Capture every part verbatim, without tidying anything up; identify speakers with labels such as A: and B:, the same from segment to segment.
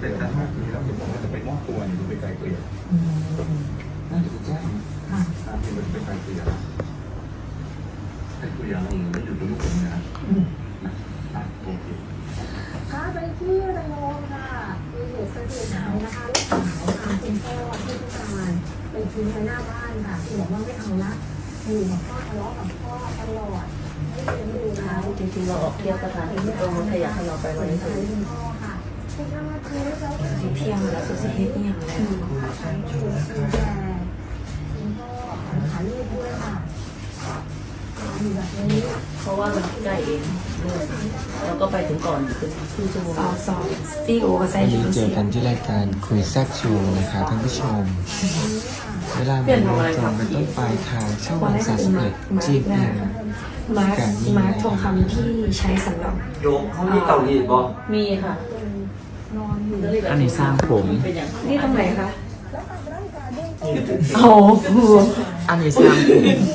A: แต่ถ้าห้าปีแล้วเดี๋ยวผมจะไปมอบตัวเนี่ยไปไกลเกลี่ยน่าจะแจ้งห้าปีมันไปไกลเกลี่ยไกลเกลี่ยเราไม่อยู่กับลูกผมนะนะโอเค
B: ค่ะไปที่ระยองค่ะมีเหตุสะเทือนใจนะคะลูกสาวค่ะคุณพ่อที่พิการไปทิ้งไว้หน้าบ้านค่ะคือบอกว่าไม่เอาละอยู่กับพ่อทะเลาะกับพ่อตลอดไม่เลี้ยงดูแล้ว
C: จริงๆเราออกเที่ยวสถานที่ตรงนั้นขยันให้เราไปวันนี้คือ
B: คุณพ่อค่ะคุณพ่อคือเจ้าของ
C: เที่ยวแล้วสุดสิเฮ็ดอย่างแล้ว
B: คุณพ่อคุณแก่คุณพ่อหาลูกด้วยค่ะอยู่แบบนี้
C: เพราะว่ามันใกล้เองเราก็ไปถึงก่อนถึงครึ่งชั่วโมง
D: สองสองสตีโอกับไซ
E: วัน
D: จู
E: นี้เจ
D: เซี
E: อย กันที่รายการคุยแซ่บโชว์นะคะท่านผู้ชม เวลาเป็นโมงตรงเป็นต้นไปทางช่องวันสามสิบเอ็ดจีเอ็ม
D: มาร์คมาร์คทองคำที่ใช้สำหรับ
F: โยมเขามีเตารีดบ่
C: มีค่ะ
B: นอนอยู่
E: อันนี้สร้างผม
C: เป็นอย่าง
D: นี่ตรงไหนคะ
B: แล้วทำร่างกายเด้ง
D: โอ้โห
E: อันนี้สร้างผม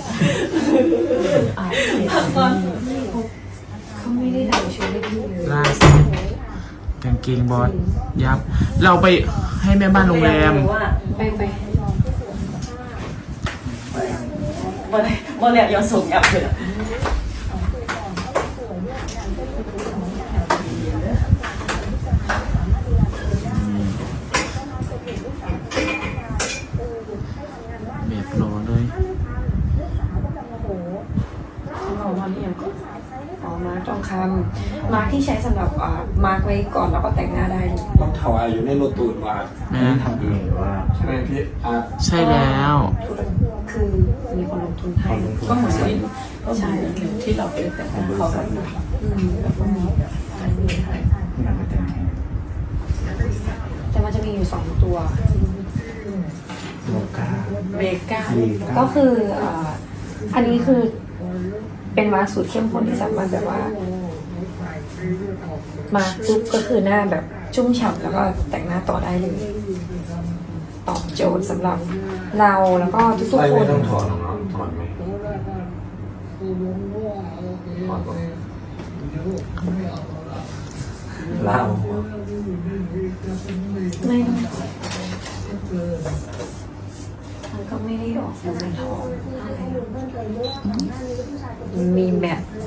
D: เขาไม่ได้ถ่ายชุดให้พี่เลย
E: ล่าสุดกางเกงบอสยับ เราไปให้แม่บ้านโรงแรม
C: ว่า
D: ไปไป
C: วันวันแรกยังส่งแอปเลย
E: แบบรอเลย
D: เอามาเนี่ยอ๋อมาร์คทองคำมาร์คที่ใช้สำหรับอ่ามาร์คไว้ก่อนแล้วก็แต่งหน้าได้เลย
A: ต้องถวายอยู่ในรถตูนว่า
E: แม่
A: ทำเองหรือว่าใช่ไหมพี่อาร์ต
E: ใช่แล้ว
D: คือมีคนลงทุนให้ก็เหมือนกันใช่
C: ที่เราเป็นแต่ของเขาแบบ
D: อืมแต่มันจะมีอยู่สองตัว
A: โลกา
C: เบก้า
D: ก็คืออ่าอันนี้คือเป็นมาร์คสูตรเข้มข้นที่สามารถแบบว่า มาปุ๊บก็คือหน้าแบบชุ่มฉ่ำแล้วก็แต่งหน้าต่อได้เลย ตอบโจทย์สำหรับเราแล้วก็ทุก
A: ไม่
D: ๆค
A: ไม่
D: น
A: ต้องถอดหรอกเนาะถอดไหมถอดก่อนเล่า
D: ไม่ต้องมันก็ไม่ได้ออกมาทองอะไรมีแบบ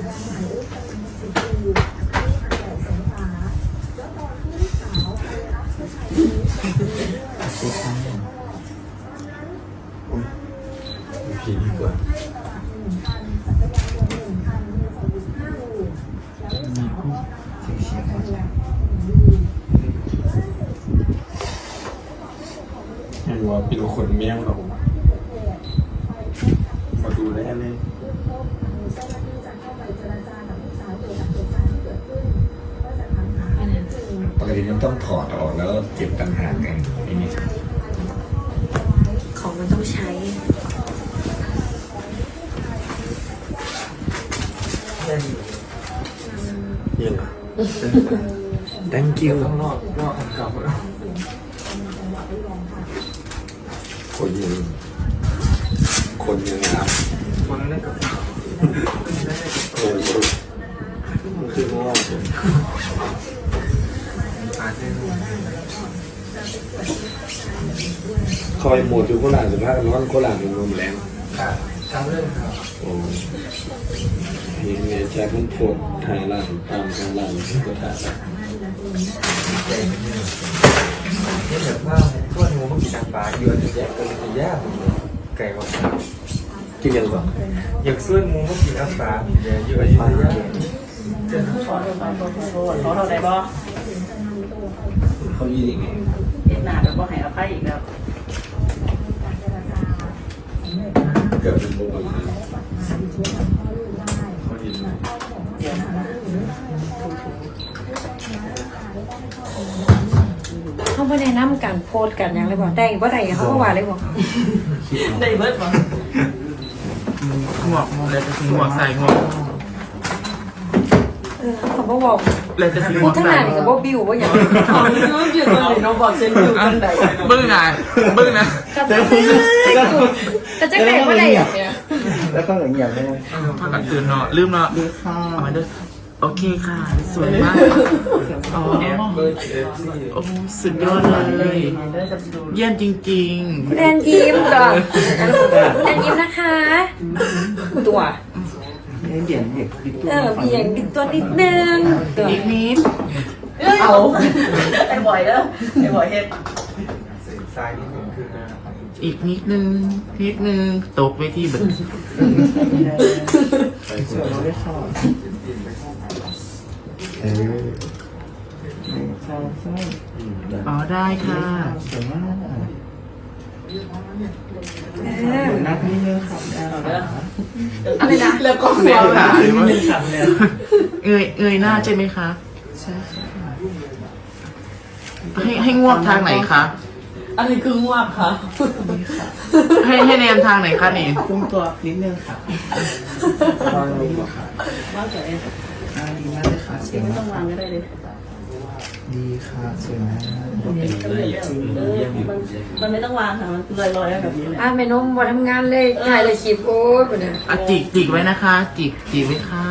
A: ผีดีกว่าไม่รู้ว่าเป็นคนแมวเรามาดูแลเลย
G: ปกติมันต้องถอดออกแล้วเก็บต่างหากไงไอ้นี่
D: ของมันต้องใช้
A: ยังไง
G: thank you
A: ต้องรอดรอดอันเก่าแล้ว
G: คนยังคนยังงาม
A: คนนั้นกับ
G: เออมันคือว่าผม
A: อาจจะ
G: คอยหมดอยู่โคราชสุดท้ายร้อนโคราชเป็นลมแรง
A: ขาดทั้งเรื่องครับ
G: โอ้ยเนี่ยแชร์มันโพดถ่ายล่างตามทางล่างก็ถ่ายได้
A: นี่แบบว่าทั่วงูมันกินทางปลาอยู่อันจะแยกกันจะแยกไก่ว่า
G: กินยังก่อน
A: อยากซื้องูมันกินอัปลาอยู่อันจะแยก
C: ขอโทษขอโทษขอโทษขอโทษได้บ่
G: เขายินยังไง
C: เอ็ดหนาแบบบ่ให้อภัยอีกแล้ว
G: เกือบเป็นโมงเลย
A: เขายิน
C: เดี๋ยวนะ
D: เขาไม่ได้นำการโพสต์กันอย่างเลยบอกได้ว่าใดเขาก็ว่าเลยบอก
C: ได้เบิดบ่
E: หมวกหมวกเลยจะหมวกใส่หมวก
D: เออเขาบอกบอก
E: เลยจะหม
D: พู
E: ว
D: ด
E: ก
D: ทั้ง
E: ใส่
D: นั้นกับว่าบิวว่าอย่าง
C: เอาซื้ออยู่ตรงไหนน้องบอกฉันอยู่ตรงไหน
E: บึ้งนะบึ้งนะ
D: กระจะกระจะแต่ว่าใดอย่างเนี้ย
F: แล้วก็อย่างเงี้ยเลย
E: ถ้ากัดตื่นเนาะลืมเนาะเอามาด้วยโอเคค่ะ สวยมากอ๋อ
A: แอบเลย
H: โอ้สุดยอดเลย เยี่ยมจริง
D: คุณแอนยิ้มก่อนแอนยิ้มนะคะ ตัว
F: ให้เบี่ยงเด็กปิดตัว
D: เออเบี่ยงบิดตัวนิดนึงตัว
H: ๆ อีกนิด
C: เอาไอ้บ่อยแล้วไอ้บ่อยเฮ็ด
A: เส้นซ้ายนิดนึงขึ้นหน้าครับ
H: อีกนิดนึง นิดนึง ตกไปที่แบบ
A: ไปเชื่อเราได้เข้ากินไปเข้าไป
F: เออใช่ใช่
H: อ๋อได้ค่ะ
F: สวยมาก
D: เออ
F: นักนี่เลยครับ
D: อะไรนะ
H: แล้วก็แมวหาย
F: นี่เลยครับเนี่ย
H: เงยเงยหน้าใช่ไหมคะ
F: ใช่ใช่
H: ให้ให้งวกทางไหนคะ
C: อะไรคืองวกคะ
H: ให้ให้แนมทางไหนคะนี่
F: พุ่งตัวนิดนึงครับวางลงก่อนค่ะ
C: ว่าแต่เอง
F: อ่าดีมากเลยค่ะสวย
C: ไม่
F: มา
C: ต้องวาง
F: ก
C: ก็ได้เลย
F: ดีค่ะสวยมาก
C: เออมันมันไม่ต้องวางค่ะมันลอยๆแบบนี้เลย
D: อ่ะแม่นมมาทำงานเลยถ่ายเลยคลิปโอ้ยปุ่นน่ะ
H: อ่ะจิกจิกไว้นะคะ จิกจิกไว้ค่ะ